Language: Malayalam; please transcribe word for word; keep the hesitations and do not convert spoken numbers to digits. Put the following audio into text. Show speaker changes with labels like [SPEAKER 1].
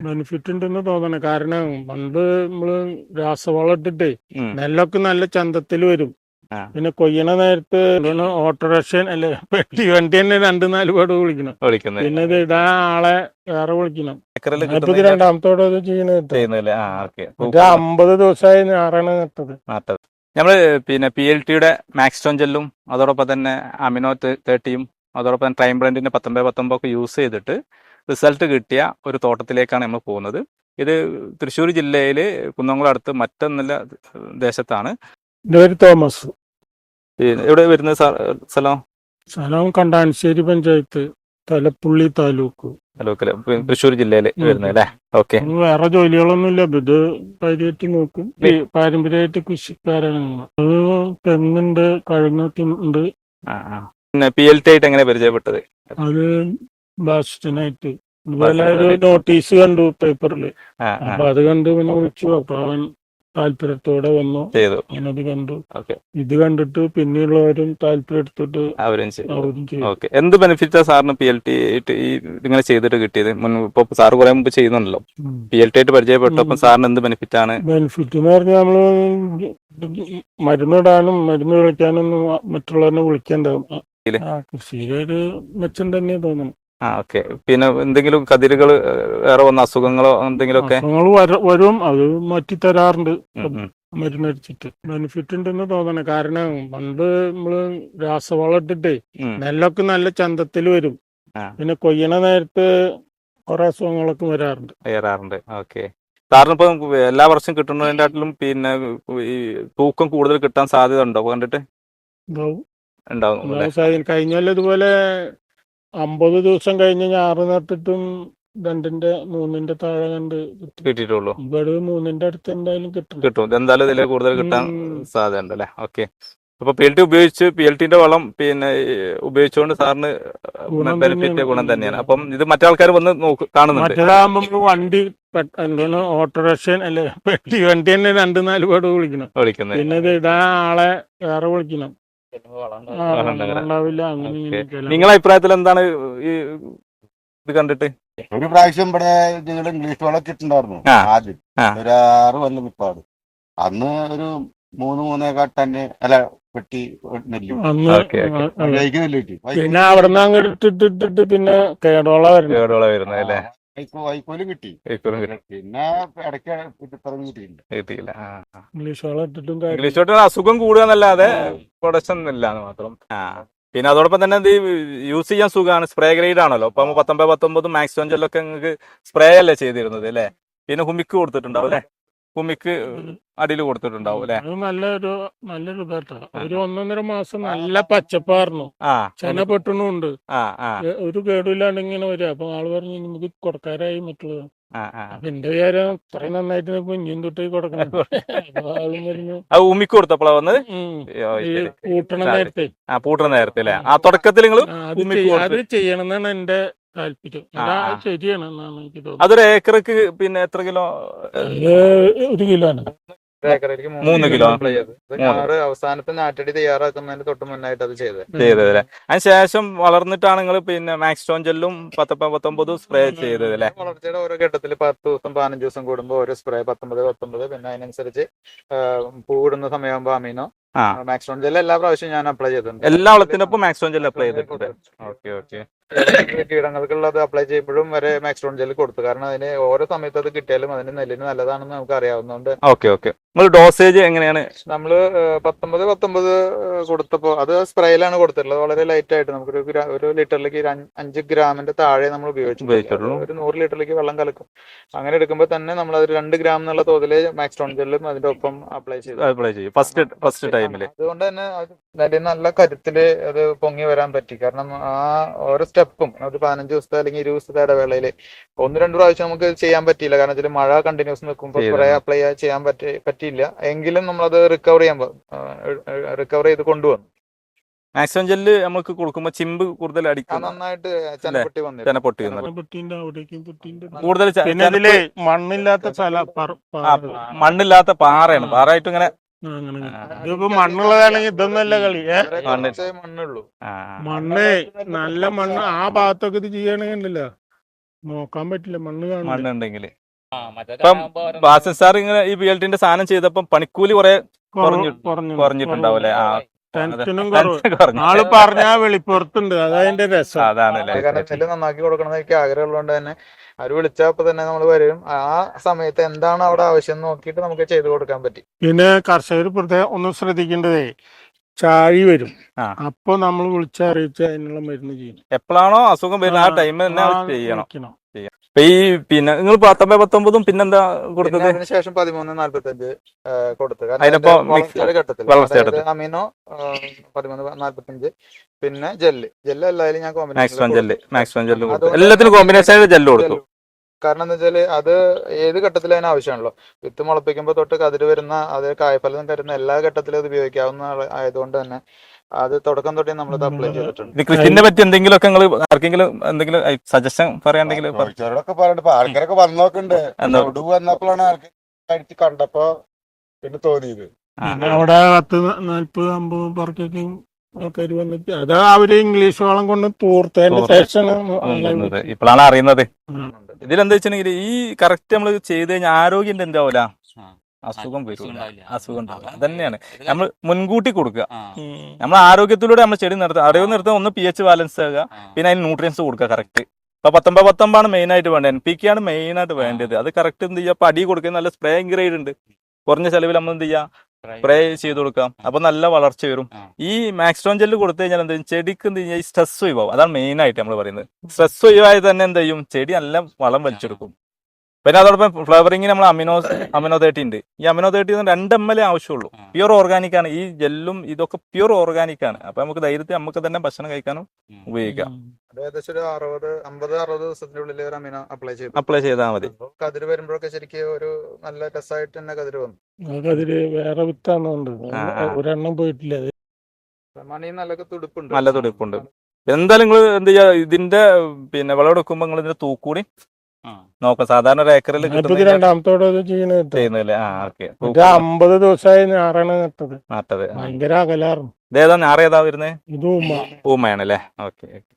[SPEAKER 1] ബെനിഫിറ്റ് ഉണ്ടെന്ന് തോന്നണേ. കാരണം പണ്ട് നമ്മള് രാസവളം ഇട്ടിട്ടേ നെല്ലൊക്കെ നല്ല ചന്തത്തിൽ വരും. പിന്നെ കൊയ്യണ നേരത്ത് ഓട്ടോറിക്ഷ അല്ലെ പെട്ടി വണ്ടി തന്നെ രണ്ടു നാല് പേട് വിളിക്കണം. പിന്നെ ഇത് ഇടാൻ ആളെ വേറെ വിളിക്കണം. ഇപ്പൊ ഇത് രണ്ടാമത്തോടെ ഇത് ചെയ്യണ അമ്പത് ദിവസമായി ഞാറാണ് നട്ടത്.
[SPEAKER 2] നമ്മള് പിന്നെ പി എൽ ടിയുടെ മാക്സ്റ്റോൺ ജെല്ലും അതോടൊപ്പം തന്നെ അമിനോ തേർട്ടിയും അതോടൊപ്പം തന്നെ ട്രൈം ബ്രാൻഡിന്റെ പത്തൊമ്പത് പത്തൊമ്പത് ഒക്കെ യൂസ് ചെയ്തിട്ട് റിസൾട്ട് കിട്ടിയ ഒരു തോട്ടത്തിലേക്കാണ് നമ്മൾ പോകുന്നത്. ഇത് തൃശ്ശൂർ ജില്ലയില് കുന്നംകുളം അടുത്ത് മറ്റൊന്നല്ല ദേശത്താണ്.
[SPEAKER 1] തോമസ്.
[SPEAKER 2] എവിടെ വരുന്നത് സ്ഥലം?
[SPEAKER 1] സ്ഥലം കണ്ടാനശ്ശേരി പഞ്ചായത്ത്, തലപ്പുള്ളി താലൂക്ക്.
[SPEAKER 2] താലൂക്കില് തൃശ്ശൂർ ജില്ലയില് വരുന്നത് അല്ലേ? ഓക്കെ.
[SPEAKER 1] വേറെ ജോലികളൊന്നും ഇല്ല. ഇത് കാര്യമായിട്ട് നോക്കും. പാരമ്പര്യമായിട്ട് കൃഷിക്കാരാണ്. അത് തെങ്ങുണ്ട്, കഴുങ്ങൊക്കെ ഉണ്ട്.
[SPEAKER 2] പിന്നെ പി എൽ ടി ആയിട്ട് എങ്ങനെ പരിചയപ്പെട്ടത്?
[SPEAKER 1] അത് ബാസ്റ്റിനായിട്ട് ഇതുപോലെ ഒരു നോട്ടീസ് കണ്ടു പേപ്പറില്. അപ്പൊ അത് കണ്ടു പിന്നെ വിളിച്ചു. അപ്പൊ അവൻ താല്പര്യത്തോടെ വന്നു ചെയ്തു. അത് കണ്ടു. ഇത് കണ്ടിട്ട് പിന്നെയുള്ളവരും താല്പര്യം എടുത്തിട്ട് അവരും ചെയ്തു.
[SPEAKER 2] എന്ത് ബെനിഫിറ്റാ സാറിന് പി എൽ ടി ഇങ്ങനെ ചെയ്തിട്ട് കിട്ടിയത്? ഇപ്പൊ സാറ് കുറെ മുമ്പ് ചെയ്യുന്നുണ്ടല്ലോ, പി എൽ ടി ആയിട്ട് പരിചയപ്പെട്ടപ്പോ സാറിന് എന്ത് ബെനിഫിറ്റ് ആണ്?
[SPEAKER 1] ബെനിഫിറ്റ് എന്ന് പറഞ്ഞാൽ നമ്മള് മരുന്നിടാനും മരുന്ന് വിളിക്കാനൊന്നും മറ്റുള്ളവരെ വിളിക്കണ്ടാവും. കൃഷിയിലൊരു മെച്ചം തന്നെ തോന്നുന്നു.
[SPEAKER 2] ആ ഓക്കെ. പിന്നെ എന്തെങ്കിലും കതിരുകൾ വേറെ വന്ന അസുഖങ്ങളോ എന്തെങ്കിലും ഒക്കെ
[SPEAKER 1] വരും, അത് മാറ്റി തരാറുണ്ട് മരുന്നടിച്ചിട്ട്. ബെനിഫിറ്റ് ഉണ്ടെന്ന് തോന്നണേ. കാരണം പണ്ട് നമ്മള് രാസവളം ഇട്ടിട്ടേ നെല്ലൊക്കെ നല്ല ചന്തത്തിൽ വരും. പിന്നെ കൊയ്യണ നേരത്ത് കുറെ അസുഖങ്ങളൊക്കെ വരാറുണ്ട്
[SPEAKER 2] വരാറുണ്ട് ഓക്കെ. സാറിന് ഇപ്പൊ എല്ലാ വർഷം കിട്ടുന്നതിനെക്കാട്ടിലും പിന്നെ ഈ തൂക്കം കൂടുതൽ കിട്ടാൻ സാധ്യത ഉണ്ടോ കണ്ടിട്ട്?
[SPEAKER 1] ഉണ്ടാവും. കഴിഞ്ഞാൽ ഇതുപോലെ അമ്പത് ദിവസം കഴിഞ്ഞ് ഞാറ് നട്ടിട്ടും രണ്ടിന്റെ മൂന്നിന്റെ താഴെ കണ്ട്
[SPEAKER 2] കിട്ടിയിട്ടുള്ളൂ.
[SPEAKER 1] ഇവിടെ മൂന്നിന്റെ അടുത്ത് എന്തായാലും കിട്ടും
[SPEAKER 2] കിട്ടും എന്തായാലും ഇതിൽ കൂടുതൽ കിട്ടാൻ സാധ്യത ഉണ്ട് അല്ലേ? ഓക്കെ. അപ്പൊ പി എൽ ടി ഉപയോഗിച്ച് പി എൽ ടിന്റെ വളം പിന്നെ ഉപയോഗിച്ചുകൊണ്ട് സാറിന് ബെനിഫിറ്റ് ഗുണം തന്നെയാണ്. അപ്പം ഇത് മറ്റാൾക്കാർ വന്ന് നോക്ക് കാണുന്നുണ്ട്.
[SPEAKER 1] മറ്റേതാകുമ്പോ വണ്ടി ഓട്ടോറിക്ഷ അല്ലെ പെട്ടി വണ്ടി തന്നെ രണ്ടു നാല് പേട് വിളിക്കണം. വിളിക്കുന്നത് പിന്നെ ഇത് ഇടാൻ ആളെ വേറെ വിളിക്കണം.
[SPEAKER 2] നിങ്ങളെ അഭിപ്രായത്തിൽ എന്താണ് ഈ ഇത് കണ്ടിട്ട്?
[SPEAKER 3] ഒരു പ്രാവശ്യം ഇവിടെ നിങ്ങൾ ഇംഗ്ലീഷ് വളമൊക്കെ ഇട്ടുണ്ടായിരുന്നു ആദ്യം, ഒരു ആറ് കൊല്ലം മുപ്പാട്. അന്ന് ഒരു മൂന്ന് മൂന്നേക്കാൾ തന്നെ അല്ല പെട്ടി നെല്ല് നെല്ല് കിട്ടി.
[SPEAKER 1] പിന്നെ അവിടെ നിന്ന് അങ്ങോട്ട് ഇട്ടിട്ടിട്ട് പിന്നെ കേടോള
[SPEAKER 2] കേടോള വരുന്നത് അല്ലേ?
[SPEAKER 3] വൈക്കോലും കിട്ടി. പിന്നെ ഇടയ്ക്ക് കിട്ടിയില്ല
[SPEAKER 2] കിട്ടിയില്ല
[SPEAKER 1] ഇംഗ്ലീഷ് വളം ഇട്ടിട്ടും
[SPEAKER 2] ഇംഗ്ലീഷ് വളം അസുഖം കൂടുക എന്നല്ലാതെ പ്രൊഡക്ഷൻ ഇല്ല എന്ന് മാത്രം. ആ പിന്നെ അതോടൊപ്പം തന്നെ ഇത് യൂസ് ചെയ്യാൻ സുഖമാണ്. സ്പ്രേ ഗ്രേഡ് ആണല്ലോ. ഇപ്പൊ പത്തൊമ്പത് പത്തൊമ്പതും മാക്സ്റ്റോൺ ജെല്ലൊക്കെ നിങ്ങൾക്ക് സ്പ്രേ അല്ലേ ചെയ്തിരുന്നത് അല്ലേ? പിന്നെ ഹുമിക്ക് കൊടുത്തിട്ടുണ്ടാവും അല്ലെ? ഹുമിക്ക് അടിയിൽ കൊടുത്തിട്ടുണ്ടാവും അല്ലെ?
[SPEAKER 1] നല്ലൊരു നല്ലൊരു ഇതാട്ടോ. ഒരു ഒന്നൊന്നര മാസം നല്ല പച്ചപ്പായിരുന്നു. ചെന പെട്ടണുണ്ട്. ഒരു കേടില്ലാണ്ട് ഇങ്ങനെ വരിക. അപ്പൊ ആള് പറഞ്ഞു നമുക്ക് കൊടുക്കാരായി മറ്റുള്ളത്. അപ്പൊ എന്റെ വിചാരം ഇത്രയും നന്നായിട്ട് ഇനിയും തൊട്ടേ കൊടുക്കണം. ആളും പറഞ്ഞു
[SPEAKER 2] ഉമ്മിക്ക് കൊടുത്തപ്പോഴാ വന്നത്
[SPEAKER 1] പൂട്ടണ നേരത്തെ.
[SPEAKER 2] ആ പൂട്ടണ നേരത്തെ അല്ലെ? ആ തുടക്കത്തിൽ നിങ്ങൾ
[SPEAKER 1] അത് ചെയ്യണം എന്നാണ് എന്റെ താല്പര്യം. ശരിയാണ് എന്നാണ് എനിക്ക് തോന്നുന്നത്.
[SPEAKER 2] അതൊരു ഏക്കർക്ക് പിന്നെ എത്ര കിലോ?
[SPEAKER 1] ഒരു കിലോ ആണ്.
[SPEAKER 2] മൂന്ന് കിലോ
[SPEAKER 4] അവസാനത്തെ നാറ്റടി തയ്യാറാക്കുന്നതിന് തൊട്ട് മുന്നായിട്ട് അത് ചെയ്തത്
[SPEAKER 2] ചെയ്തതല്ലേ? അതിനുശേഷം വളർന്നിട്ടാണ് നിങ്ങൾ പിന്നെ മാക്സ്റ്റോൺ ജെല്ലും പത്തൊമ്പത് പത്തൊമ്പതും സ്പ്രേ ചെയ്തത് അല്ലേ?
[SPEAKER 4] വളർച്ചയുടെ ഓരോ ഘട്ടത്തിൽ പത്ത് ദിവസം പതിനഞ്ച് ദിവസം കൂടുമ്പോൾ ഓരോ സ്പ്രേ പത്തൊമ്പത് പത്തൊമ്പത് പിന്നെ അതിനനുസരിച്ച് പൂവിടുന്ന സമയമാകുമ്പോൾ അമീനോ മാക്സ്റ്റോൺ ജെൽ എല്ലാ പ്രാവശ്യവും ഞാൻ അപ്ലൈ ചെയ്തിട്ടുണ്ട്.
[SPEAKER 2] എല്ലാ വളത്തിനൊപ്പം മാക്സ്റ്റോൺ ജെൽ അപ്ലൈ ചെയ്തിട്ടുണ്ട്. Okay okay.
[SPEAKER 4] കീടങ്ങൾക്കുള്ളത് അപ്ലൈ ചെയ്യുമ്പോഴും വരെ മാക്സ്റ്റോൺ ജെൽ കൊടുത്തു. കാരണം അതിന് ഓരോ സമയത്ത് അത് കിട്ടിയാലും അതിന് നെല്ലിന് നല്ലതാണെന്ന് നമുക്ക് അറിയാവുന്നതുകൊണ്ട്.
[SPEAKER 2] Okay okay. നിങ്ങൾ ഡോസേജ് എങ്ങനെയാണ്?
[SPEAKER 4] നമ്മള് പത്തൊമ്പത് പത്തൊമ്പത് കൊടുത്തപ്പോ അത് സ്പ്രേയിലാണ് കൊടുത്തിട്ടുള്ളത്. വളരെ ലൈറ്റ് ആയിട്ട് നമുക്കൊരു ഒരു ലിറ്ററിലേക്ക് അഞ്ച് ഗ്രാമിന്റെ താഴെ നമ്മൾ ഉപയോഗിച്ചിട്ടുള്ളൂ. ഒരു നൂറ് ലിറ്ററിലേക്ക് വെള്ളം കലക്കും. അങ്ങനെ എടുക്കുമ്പോൾ തന്നെ നമ്മൾ അത് രണ്ട് ഗ്രാം എന്നുള്ള തോതില് മാക്സ്റ്റോൺ ജെല്ലും അതിന്റെ ഒപ്പം അപ്ലൈ ചെയ്തു
[SPEAKER 2] അപ്ലൈ ചെയ്യും ഫസ്റ്റ് ഫസ്റ്റ് ടൈമില്.
[SPEAKER 4] അതുകൊണ്ട് തന്നെ നെല്ലിന് നല്ല കരുത്തില് അത് പൊങ്ങി വരാൻ പറ്റി. കാരണം ആ ഓരോ സ്റ്റെപ്പും ഒരു പതിനഞ്ച് ദിവസത്തെ അല്ലെങ്കിൽ ഇരുപത് ദിവസത്തെ ഇടവേളയില് ഒന്ന് രണ്ട് പ്രാവശ്യം നമുക്ക് ചെയ്യാൻ പറ്റിയില്ല. കാരണം വെച്ചാൽ മഴ കണ്ടിന്യൂസ് നിൽക്കുമ്പോൾ സ്പ്രേ അപ്ലൈ ചെയ്യാൻ പറ്റി പറ്റിയില്ല എങ്കിലും നമ്മളത് റിക്കവർ ചെയ്യാൻ റിക്കവർ ചെയ്ത് കൊണ്ടുവന്നു.
[SPEAKER 2] മാക്സിമം ജെല്ല് നമുക്ക് കൊടുക്കുമ്പോ ചിമ്പ് കൂടുതൽ അടിക്കും.
[SPEAKER 4] നന്നായിട്ട് ചെനപ്പൊട്ടി വന്നു
[SPEAKER 2] ചെനപ്പൊട്ടി
[SPEAKER 1] കൂടുതൽ മണ്ണില്ലാത്ത
[SPEAKER 2] മണ്ണില്ലാത്ത പാറയാണ്. പാറയായിട്ട് ഇങ്ങനെ
[SPEAKER 1] മണ്ണുള്ളതാണെങ്കിൽ ഇതൊന്നല്ല കളി.
[SPEAKER 4] മണ്ണുള്ളൂ
[SPEAKER 1] മണ്ണ് നല്ല മണ്ണ് ആ ഭാഗത്തൊക്കെ ഇത് ചെയ്യണമെങ്കിലോ നോക്കാൻ പറ്റില്ല, മണ്ണ് കാണും.
[SPEAKER 2] മണ്ണുണ്ടെങ്കിൽ ഇപ്പം ബാസിൽ സാർ ഇങ്ങനെ ഈ പി എൽ ടിന്റെ സാധനം ചെയ്തപ്പം പണിക്കൂലി കുറെ കുറഞ്ഞിട്ടുണ്ടാവും അല്ലെ? ആ,
[SPEAKER 1] ടെൻഷനും കുറവ്. ആള് പറഞ്ഞാ വെളിപ്പുറത്തുണ്ട്, അതതിന്റെ രസം.
[SPEAKER 2] അതാണല്ലേ.
[SPEAKER 4] കാരണം നെല്ല് നന്നാക്കി കൊടുക്കണം എന്ന് എനിക്ക് ആഗ്രഹമുള്ളതുകൊണ്ട് തന്നെ അവര് വിളിച്ചപ്പോ തന്നെ നമ്മൾ വരും. ആ സമയത്ത് എന്താണ് അവിടെ ആവശ്യം നോക്കിയിട്ട് നമുക്ക് ചെയ്തു കൊടുക്കാൻ പറ്റി.
[SPEAKER 1] പിന്നെ കർഷകർ പ്രത്യേകം ഒന്നും ശ്രദ്ധിക്കേണ്ടതേ, ചാഴി വരും, അപ്പൊ നമ്മൾ വിളിച്ചറിയിച്ച് അതിനുള്ള മരുന്ന് ചെയ്യണം.
[SPEAKER 2] എപ്പോഴാണോ അസുഖം വരുന്നത് ആ ടൈമിൽ തന്നെ ചെയ്യണം. ഈ പിന്നെ നിങ്ങൾ പത്തൊമ്പത് പത്തൊമ്പതും പിന്നെന്താ കൊടുത്തത്?
[SPEAKER 4] അതിനുശേഷം പതിമൂന്ന് നാല്പത്തി അഞ്ച് കൊടുത്തു.
[SPEAKER 2] ഘട്ടത്തിൽ
[SPEAKER 4] അമീനോ പതിമൂന്ന് നാല്പത്തി അഞ്ച്, പിന്നെ ജെല്ല് ജെല്ല് എല്ലാവരും ഞാൻ
[SPEAKER 2] മാക്സിമം ജെല്ല് മാക്സിമം ജെല്ല് എല്ലാത്തിനും കോമ്പിനേഷൻ ജെല്ല് കൊടുത്തു.
[SPEAKER 4] കാരണം എന്താ വെച്ചാല് അത് ഏത് ഘട്ടത്തിൽ അതിന് ആവശ്യമാണല്ലോ. വിത്ത് മുളപ്പിക്കുമ്പോൾ തൊട്ട് കതിര് വരുന്ന അത് കായ്ഫലം തരുന്ന എല്ലാ ഘട്ടത്തിലും അത് ഉപയോഗിക്കാവുന്ന ആയതുകൊണ്ട് തന്നെ അത് തുടക്കം തൊട്ടേ നമ്മൾ അപ്ലൈ ചെയ്തിട്ടുണ്ട്.
[SPEAKER 2] കൃഷിനെ പറ്റി എന്തെങ്കിലും ഒക്കെ നിങ്ങൾ ആർക്കെങ്കിലും എന്തെങ്കിലും സജഷൻ പറയാണ്ടെങ്കിൽ
[SPEAKER 3] ആൾക്കാരൊക്കെ വന്നു നോക്കണ്ട്. ഒടുവ് വന്നപ്പോഴാണ് ആൾക്ക് കഴിച്ച് കണ്ടപ്പോ പിന്നെ തോന്നിയത്.
[SPEAKER 1] അവിടെ പത്ത് നാല്പത് അമ്പത് പേർക്കൊക്കെ ആൾക്കാർ വന്നിട്ട് അത് അവര് ഇംഗ്ലീഷ് വളം കൊണ്ട് തൂർത്തതിന്റെ ശേഷം
[SPEAKER 2] ഇപ്പോഴാണ് അറിയുന്നത്. ഇതിലെന്താ വെച്ചിട്ടുണ്ടെങ്കിൽ ഈ കറക്റ്റ് നമ്മൾ ചെയ്ത് കഴിഞ്ഞാൽ ആരോഗ്യം എന്താവൂല, അസുഖം വരും, അസുഖം ഉണ്ടാവില്ല. അതന്നെയാണ് നമ്മൾ മുൻകൂട്ടി കൊടുക്കുക. നമ്മൾ ആരോഗ്യത്തിലൂടെ നമ്മൾ ചെടി നിർത്തുക. അറിവ് നിർത്തുക, ഒന്ന് പി എച്ച് ബാലൻസ് ആകുക, പിന്നെ അതിന് ന്യൂട്രിയൻസ് കൊടുക്കുക കറക്റ്റ്. ഇപ്പൊ പത്തൊമ്പത് പത്തൊമ്പതാണ് മെയിൻ ആയിട്ട് വേണ്ടത്. എൻ പി കെ ആണ് മെയിൻ ആയിട്ട് വേണ്ടത്. അത് കറക്റ്റ് എന്ത് ചെയ്യുക, അപ്പൊ അടി കൊടുക്കുക. നല്ല സ്പ്രേ ഗ്രേഡ് ഉണ്ട്, കുറഞ്ഞ ചെലവിൽ നമ്മൾ എന്ത് ചെയ്യുക, സ്പ്രേ ചെയ്ത് കൊടുക്കാം. അപ്പൊ നല്ല വളർച്ച വരും. ഈ മാക്സ്ട്രോൺ ജെല്ല് കൊടുത്തു കഴിഞ്ഞാൽ എന്ത് ചെയ്യും, ചെടിക്ക് എന്ത് ചെയ്യുക, സ്ട്രെസ് ഒഴിവാകും. അതാണ് മെയിൻ ആയിട്ട് നമ്മൾ പറയുന്നത്. സ്ട്രെസ് ഒഴിവായി തന്നെ എന്ത് ചെയ്യും, ചെടി നല്ല വളം വലിച്ചെടുക്കും. പിന്നെ അതോടൊപ്പം ഫ്ലവറിങ്ങിന് നമ്മൾ അമിനോ അമിനോ തേർട്ടി ഉണ്ട്. ഈ അമിനോ തേർട്ടി രണ്ട് എം എൽ എ ആവശ്യമുള്ളൂ. പ്യൂർ ഓർഗാനിക് ആണ് ഈ ജെല്ലും, ഇതൊക്കെ പ്യൂർ ഓർഗാനിക് ആണ്. അപ്പൊ നമുക്ക് ധൈര്യത്തിൽ നമുക്ക് തന്നെ ഭക്ഷണം കഴിക്കാനും ഉപയോഗിക്കാം.
[SPEAKER 4] ഏകദേശം ഒരു അറുപത് അമ്പത് അറുപത് ദിവസത്തിനുള്ളിൽ ഒരു അമിനോ അപ്ലൈ ചെയ്തു
[SPEAKER 2] അപ്ലൈ ചെയ്താൽ മതി.
[SPEAKER 4] കതിര് വരുമ്പോഴൊക്കെ ശരിക്കും ഒരു നല്ല രസമായിട്ട് തന്നെ കതിര് വന്നു.
[SPEAKER 1] കതിര് വേറെ വിത്താണ്, ഒരെണ്ണം പോയിട്ടില്ല.
[SPEAKER 4] മണി നല്ല തുടുപ്പുണ്ട്,
[SPEAKER 2] നല്ല തുടുപ്പുണ്ട്. എന്തായാലും നിങ്ങൾ എന്ത് ചെയ്യാ, ഇതിന്റെ പിന്നെ വിളവെടുക്കുമ്പോ നിങ്ങൾ ഇതിന്റെ തൂക്കൂടി നോക്കാം. സാധാരണ ഒരു ഏക്കറിൽ
[SPEAKER 1] രണ്ടാമത്തോടെ ചെയ്യുന്നില്ലേ? അമ്പത് ദിവസമായി ഞാറാണ് നട്ടത്.
[SPEAKER 2] നട്ടത്
[SPEAKER 1] ഭയങ്കര അകലാറും.
[SPEAKER 2] ഇതേതാ ഞാറ് ഏതാ വരുന്നത്?
[SPEAKER 1] ഇത് ഊമ
[SPEAKER 2] ഊമയാണല്ലേ? ഓക്കെ.